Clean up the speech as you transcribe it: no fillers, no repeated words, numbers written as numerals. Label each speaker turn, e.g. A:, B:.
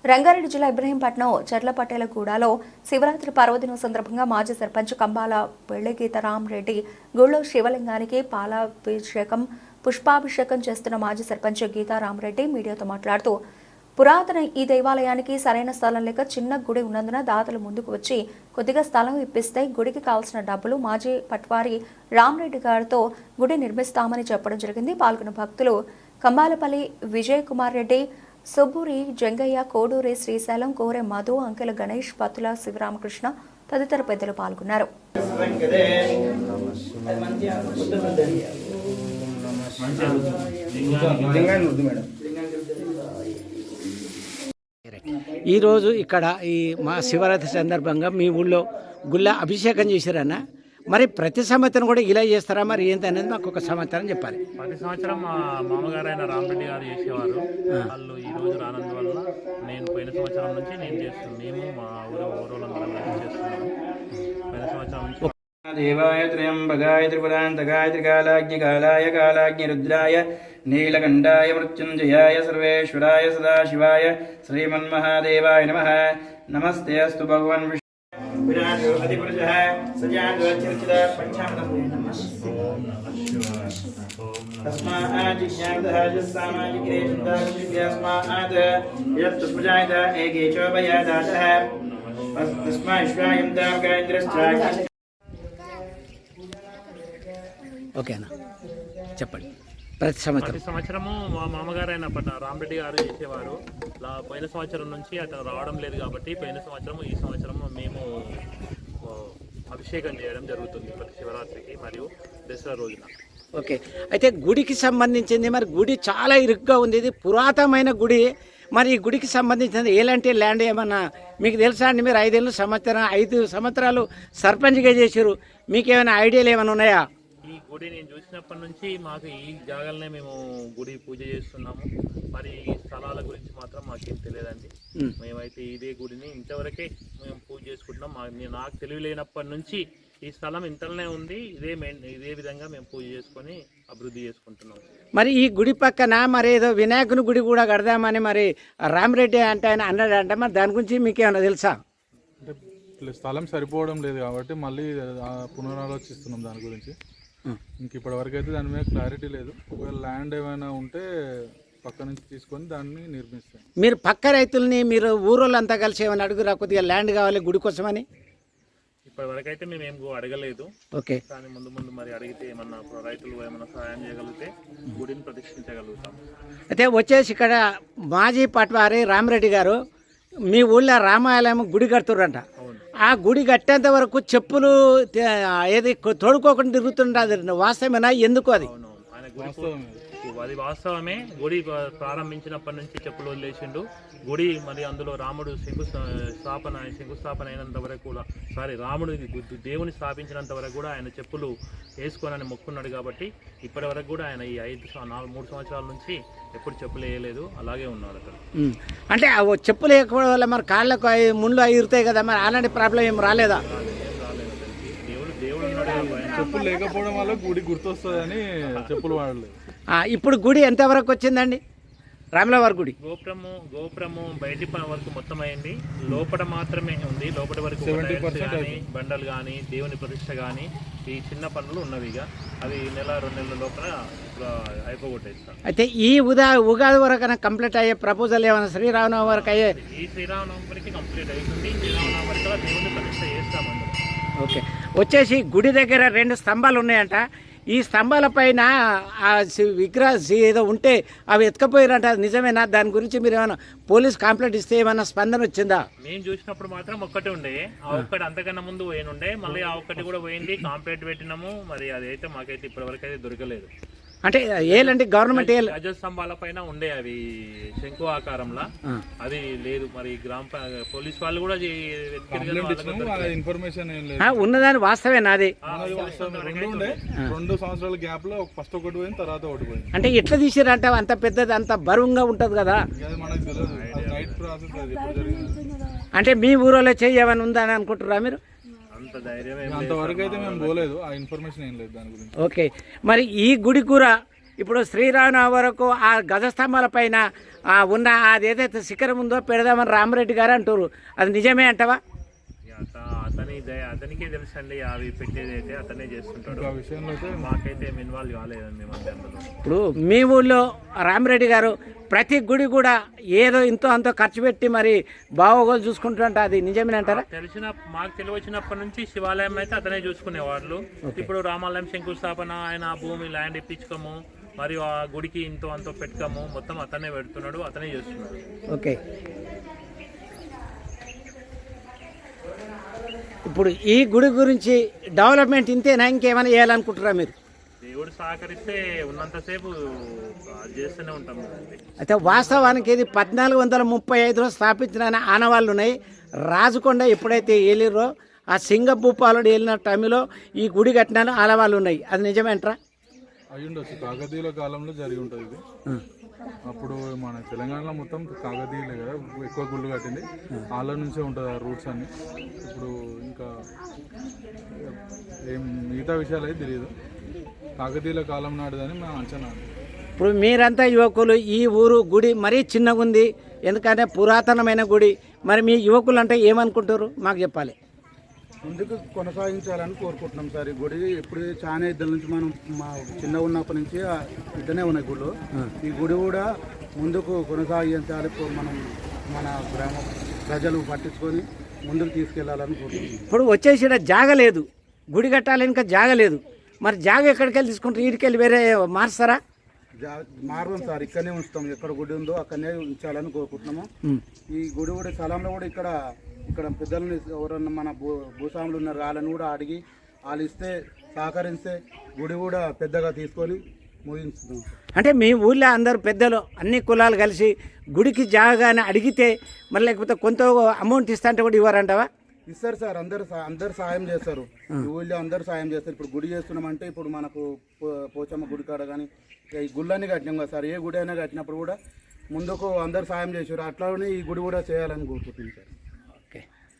A: రంగారెడ్డి జిల్లా ఇబ్రహీంపట్నం చెర్లపట్టేలగూడలో శివరాత్రి పర్వదినం సందర్భంగా మాజీ సర్పంచ్ కంబాల పెళ్లిగీతరాం రెడ్డి గుళ్ళో శివలింగానికి పాలాభిషేకం పుష్పాభిషేకం చేస్తున్న మాజీ సర్పంచ్ గీతారామరెడ్డి మీడియాతో మాట్లాడుతూ పురాతన ఈ దేవాలయానికి సరైన స్థలం లేక చిన్న గుడి ఉన్నందున దాతలు ముందుకు వచ్చి కొద్దిగా స్థలం ఇప్పిస్తే గుడికి కావాల్సిన డబ్బులు మాజీ పట్వారి రామరెడ్డి గారితో గుడి నిర్మిస్తామని చెప్పడం జరిగింది. పాల్గొన్న భక్తులు కంబాలపల్లి విజయ్ కుమార్ రెడ్డి, సుబ్బూరి జంగయ్య, కోడూరి శ్రీశైలం, కోరె మధు, అంకెల గణేష్, పతుల శివరామకృష్ణ తదితర పెద్దలు పాల్గొన్నారు.
B: ఈరోజు ఇక్కడ ఈ మా శివరాత్రి సందర్భంగా మీ ఊళ్ళో గుళ్ళ అభిషేకం చేశారన్న, మరి ప్రతి సంవత్సరం కూడా ఇలా చేస్తారా, మరి ఏంటి అనేది మాకు ఒక సమాచారం చెప్పాలి.
C: ప్రతి సంవత్సరం మా మామగారు అయిన రామరెడ్డి గారు చేసేవారు. వాళ్ళు ఈ రోజు రానందువల్ల నేను పోయిన సంవత్సరం నుంచి నేను చేస్తున్నాను. మేము మా ఊరోళ్ళందరం చేస్తున్నాము. పోయిన సంవత్సరం నుంచి
D: దేవాయ త్రయంబకాయ త్రిపురాంతకాయ త్రికాలాగ్నికాలాయ కాలాగ్నిరుద్రాయ నీలకంఠాయ మృత్యుంజయాయ సర్వేశ్వరాయ సదాశివాయ శ్రీమన్మహాదేవాయ నమః. నమస్తే అస్తు భగవాన్ విరాజో అధిపురుషః సజాతో చర్చిత పంచామృతం నమః. తస్మాత్ జిజ్ఞాసః యస్సామాజికే చింతాస్మాత్ యత్ స్మృజాయత ఏకే చోభయాదాతః తస్మాత్ విశ్వాయం తామకేంద్రశ్చాయ.
B: ఓకేనా, చెప్పండి. ప్రతి
C: సంవత్సరము మా మామగారు అయిన రామరెడ్డి గారు చేసేవారు. పోయిన సంవత్సరం నుంచి అతను రావడం లేదు కాబట్టి పోయిన సంవత్సరం ఈ సంవత్సరం మేము అభిషేకం చేయడం జరుగుతుంది ప్రతి శివరాత్రికి మరియు దసరా రోజున.
B: ఓకే, అయితే గుడికి సంబంధించింది, మరి గుడి చాలా ఇరుగ్గా ఉంది, ఇది పురాతనమైన గుడి. మరి ఈ గుడికి సంబంధించిన ఎలాంటి ల్యాండ్ ఏమన్నా మీకు తెలుసా అండి? మీరు 5 సంవత్సరాలు సర్పంచ్గా చేశారు, మీకేమైనా ఐడియాలు ఏమైనా ఉన్నాయా?
C: ఈ గుడి నేను చూసినప్పటి నుంచి మాకు ఈ జాగాలనే మేము గుడి పూజ చేస్తున్నాము. మరి ఈ స్థలాల గురించి మాత్రం మాకేం తెలియదండి. మేమైతే ఇదే గుడిని ఇంతవరకే మేము పూజ చేసుకుంటున్నాం. నాకు తెలియలేనప్పటి నుంచి ఈ స్థలం ఇంతలోనే ఉంది, ఇదే విధంగా మేము పూజ చేసుకొని అభివృద్ధి చేసుకుంటున్నాం.
B: మరి ఈ గుడి పక్కన మరి ఏదో వినాయకుని గుడి కూడా కడదామని మరి రామరెడ్డి అంటే ఆయన అన్నాడంట, మరి దాని గురించి మీకేమైనా తెలుసా?
E: అంటే స్థలం సరిపోవడం లేదు కాబట్టి మళ్ళీ పునరాలోచిస్తున్నాం దాని గురించి. ఇంక ఇప్పటి వరకు అయితే దాని మీద క్లారిటీ లేదు. ఒకవేళ ల్యాండ్ ఏమైనా ఉంటే పక్క నుంచి తీసుకొని దాన్ని నిర్మిస్తాం.
B: మీరు పక్క రైతుల్ని, మీరు ఊరోళ్ళంతా కలిసి ఏమైనా అడుగురా, కొద్దిగా ల్యాండ్ కావాలి గుడి కోసమని?
C: ఇప్పటి వరకు అయితే మేము ఏం అడగలేదు.
B: ఓకే,
C: కానీ ముందు మరి అడిగితే ఏమన్నా రైతులు ఏమన్నా సహాయం చేయగలిగితే గుడిని ప్రతిష్ఠించగలుగుతాం.
B: అయితే వచ్చేసి ఇక్కడ మాజీ పట్వారి రామరెడ్డి గారు మీ ఊళ్ళో రామాలయం గుడి కడుతుర్రంట. ఆ గుడి కట్టేంత వరకు చెప్పులు ఏది తోడుకోకుండా తిరుగుతుండదు, వాస్తవమేనా? ఎందుకు అది?
C: అది వాస్తవమే. గుడి ప్రారంభించినప్పటి నుంచి చెప్పులు వదిలేసిండు. గుడి మరి అందులో రాముడు శంకుస్థాపన అయినంత వరకు కూడా రాముడు దేవుని స్థాపించినంత వరకు కూడా ఆయన చెప్పులు వేసుకోనని మొక్కున్నాడు. కాబట్టి ఇప్పటి వరకు కూడా ఆయన ఈ 3 సంవత్సరాల నుంచి ఎప్పుడు చెప్పులు వేయలేదు, అలాగే ఉన్నాడు అక్కడ.
B: అంటే చెప్పులు వేయకపోవడం వల్ల మరి కాళ్ళకు ముళ్ళు ఇరుతాయి కదా, మరి అలాంటి ప్రాబ్లం ఏం రాలేదా?
C: దేవుడు ఉన్నాడు.
E: చెప్పులు లేకపోవడం వల్ల గుడి గుర్తొస్తుందని చెప్పులు వాడలేదు.
B: ఇప్పుడు గుడి ఎంతవరకు వచ్చిందండి? రాములవారి గుడి
C: గోపురము బయటి వరకు మొత్తం అయింది, లోపల మాత్రమే ఉంది. లోపల వరకు బండలు కానీ దేవుని ప్రతిష్ట కానీ ఈ చిన్న పనులు ఉన్నవి. అవి 1-2 నెలల లోపల అయిపోగొట్టేస్తాం.
B: అయితే ఈ ఉగాది వరకు కంప్లీట్ అయ్యే ప్రపోజల్ ఏమైనా శ్రీరామనవమి వరకు అయ్యే?
C: ఈ శ్రీరామనవమి వరకు కంప్లీట్ అవుతుంది. శ్రీరామనవమి వరకు దేవుని ప్రతిష్ట చేస్తామండి.
B: ఓకే, వచ్చేసి గుడి దగ్గర 2 స్తంభాలు ఉన్నాయంట. ఈ స్తంభాల పైన ఆ విగ్రహం ఏదో ఉంటే అవి ఎత్తుకపోయారంట, నిజమేనా? దాని గురించి మీరు ఏమైనా పోలీస్ కంప్లైంట్ ఇస్తే ఏమైనా స్పందన వచ్చిందా?
C: మేము చూసినప్పుడు మాత్రం ఒక్కటే ఉండే, ఆ ఒక్కటి అంతకన్నా ముందు పోయినుండే, మళ్ళీ ఆ ఒక్కటి కూడా పోయింది. కంప్లైంట్ పెట్టినాము, మరి అదైతే మాకైతే ఇప్పటివరకు అయితే దొరకలేదు.
B: అంటే ఏలంటే గవర్నమెంట్
C: గజ స్తంభాల పైన ఉండే అవి శంకు ఆకారంలో, అది లేదు. మరి పోలీస్ వాళ్ళు కూడా
E: ఇన్ఫర్మేషన్
B: ఉన్నదాని వాస్తవేనా? అది
E: 2 సంవత్సరాల గ్యాప్ లో ఫస్ట్ ఒకటి పోయింది, తర్వాత ఒకటి పోయింది.
B: అంటే ఎట్లా తీసారంటే అంత పెద్దది, అంత బరువుగా ఉంటది కదా?
E: మనకు తెలియదు, నైట్ ప్రాసెస్ అది ఎప్పుడు జరిగింది.
B: అంటే మీ ఊరిలో చేయమని ఉందని అనుకుంటున్నారా మీరు?
E: అంతవరకు అయితే మేము పోలేదు, ఆ ఇన్ఫర్మేషన్ ఏం లేదు దాని గురించి.
B: ఓకే, మరి ఈ గుడి కూర ఇప్పుడు శ్రీరామనవమి వరకు ఆ గజస్తంభాల పైన ఉన్న అది ఏదైతే శిఖరం ఉందో పెడదామని రామరెడ్డి గారు అంటారు, అది నిజమే అంటవా?
C: అతనికే తెలుసండి, అవి పెట్టేది అయితే అతనే చేస్తుంటాడు.
E: ఆ విషయంలో అయితే
C: మాకైతే ఏమి ఇన్వాల్వ్ కాలేదండి మేము అందులో.
B: ఇప్పుడు మీ ఊళ్ళో రామరెడ్డి గారు ప్రతి గుడి కూడా ఏదో ఇంతో అంతో ఖర్చు పెట్టి మరి బావోగోలు చూసుకుంటుంటే అది నిజమేనంటారా?
C: మాకు తెలివచ్చినప్పటి నుంచి శివాలయం అయితే అతనే చూసుకునేవాళ్ళు. ఇప్పుడు రామాలయం శంకుస్థాపన, ఆయన భూమి ల్యాండ్ ఇప్పించుకోము, మరియు ఆ గుడికి ఇంతో అంతో పెట్టుకోము, మొత్తం అతనే పెడుతున్నాడు, అతనే చేస్తున్నాడు.
B: ఓకే. ఇప్పుడు ఈ గుడి గురించి డెవలప్మెంట్ ఇంతేనా, ఇంకేమైనా చేయాలనుకుంటారా మీరు?
C: దేవుడు సహకరిస్తే ఉన్నంతసేపు చేస్తూనే ఉంటాం.
B: అయితే వాస్తవానికి ఇది 1435లో స్థాపించిన ఆనవాళ్ళు ఉన్నాయి. రాజకొండ ఎప్పుడైతే ఏలిరో ఆ సింగభూపాలుడు వెళ్ళిన టైంలో ఈ గుడి కట్టిన ఆనవాళ్ళు ఉన్నాయి, అది నిజమేంట్రా?
E: అయి ఉండొచ్చు, కాకతీయుల కాలంలో జరిగి ఉంటుంది ఇది. అప్పుడు మన తెలంగాణలో మొత్తం కాకతీయులే కదా ఎక్కువ గుళ్ళు కట్టింది, వాళ్ళ నుంచే ఉంటుంది ఆ రూట్స్ అన్ని. ఇప్పుడు ఇంకా ఏం మిగతా విషయాలు అయితే తెలియదు, కాకతీయుల కాలం నాటిదని మా అంచనా.
B: ఇప్పుడు మీరంతా యువకులు, ఈ ఊరు గుడి మరీ చిన్నగా ఉంది, ఎందుకంటే పురాతనమైన గుడి, మరి మీ యువకులు అంటే ఏమనుకుంటారు మాకు చెప్పాలి.
F: ముందుకు కొనసాగించాలని కోరుకుంటున్నాం సార్. ఈ గుడి ఇప్పుడు చాలా ఇద్దరి నుంచి మనం మా చిన్న ఉన్నప్పటి నుంచి ఇద్దనే ఉన్నాయి గుళ్ళు. ఈ గుడి కూడా ముందుకు కొనసాగించాలి, మనం మన గ్రామ ప్రజలు పట్టించుకొని ముందుకు తీసుకెళ్లాలని కోరుకుంటున్నాం.
B: ఇప్పుడు వచ్చేసి జాగ లేదు, గుడి కట్టాలి ఇంకా జాగ లేదు, మరి జాగ ఎక్కడికి వెళ్ళి తీసుకుంటారు? వీడికెళ్ళి వేరే మారుస్తారా?
F: మార్గం సార్, ఇక్కడనే ఉంచుతాం, ఎక్కడ గుడి ఉందో అక్కడనే ఉంచాలని కోరుకుంటున్నాము. ఈ గుడి కూడా స్థలంలో కూడా ఇక్కడ పెద్దలని ఎవరన్నా మన భూస్వాములు ఉన్నారు, వాళ్ళని కూడా అడిగి వాళ్ళు ఇస్తే సహకరిస్తే గుడి కూడా పెద్దగా తీసుకొని ముగించుతాం.
B: అంటే మీ ఊళ్ళో అందరు పెద్దలు అన్ని కులాలు కలిసి గుడికి జాగాని అడిగితే మరి లేకపోతే కొంత అమౌంట్ ఇస్తా అంటే కూడా ఇవ్వరంటావా?
F: ఇస్తారు సార్, అందరు సాయం చేస్తారు, ఈ ఊళ్ళో అందరు సాయం చేస్తారు. ఇప్పుడు గుడి చేస్తున్నామంటే ఇప్పుడు మనకు పోచమ్మ గుడి కాడ కానీ ఈ గుళ్ళన్నీ కట్టినాం కదా సార్, ఏ గుడి అయినా కట్టినప్పుడు కూడా ముందుకు అందరు సాయం చేశారు, అట్లానే ఈ గుడి కూడా చేయాలని కోరుకుంటుంది సార్.